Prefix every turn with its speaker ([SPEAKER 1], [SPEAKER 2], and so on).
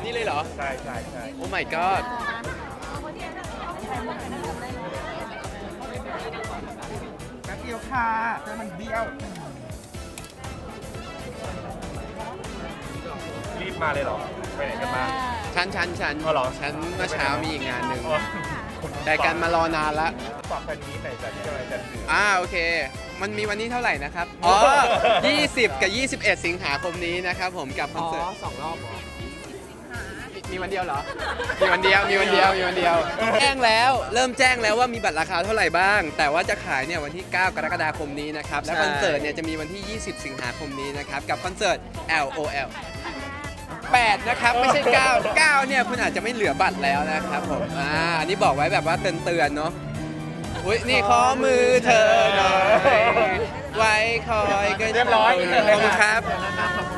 [SPEAKER 1] นี่เลยเหรอ
[SPEAKER 2] ใช่
[SPEAKER 1] โอ้ my god
[SPEAKER 2] แป๊บเดียวค่ะแต่มันเบี้ยวรีบมาเลยเหรอไปไหนกันมา
[SPEAKER 1] ฉัน
[SPEAKER 2] อ๋อเหรอ
[SPEAKER 1] ฉันเมื่อเช้ามีอีกงานหนึ่ง
[SPEAKER 2] อ๋อ
[SPEAKER 1] แต่การมารอนานละ
[SPEAKER 2] ฝากแฟนนี้ไหนจะที่อะไรจะถือ
[SPEAKER 1] โอเค มันมีวันนี้เท่าไหร่นะครับ อ๋อ 20 กับ 21 สิงหาคมนี้นะครับผมกับคอนเสิร์ต
[SPEAKER 2] 2 รอบเหรอ
[SPEAKER 1] มีวันเดียวเหรอ มีวันเดียว แจ้งแล้ว เริ่มแจ้งแล้วว่ามีบัตรราคาเท่าไหร่บ้าง แต่ว่าจะขายเนี่ยวันที่ 9 กรกฎาคมนี้นะครับ และคอนเสิร์ตเนี่ยจะมีวันที่ 20 สิงหาคมนี้นะครับ กับคอนเสิร์ต LOL 8 นะครับ ไม่ใช่ 9 9 เนี่ยคุณอาจจะไม่เหลือบัตรแล้วนะครับผม อันนี้บอกไว้แบบว่าเตือนๆเนาะ อุ้ยนี่ขอมือเธอหน่อย ไว้คอยก็
[SPEAKER 2] เรียบร้อย
[SPEAKER 1] ขอบคุณครับ
[SPEAKER 2] ขอบคุณ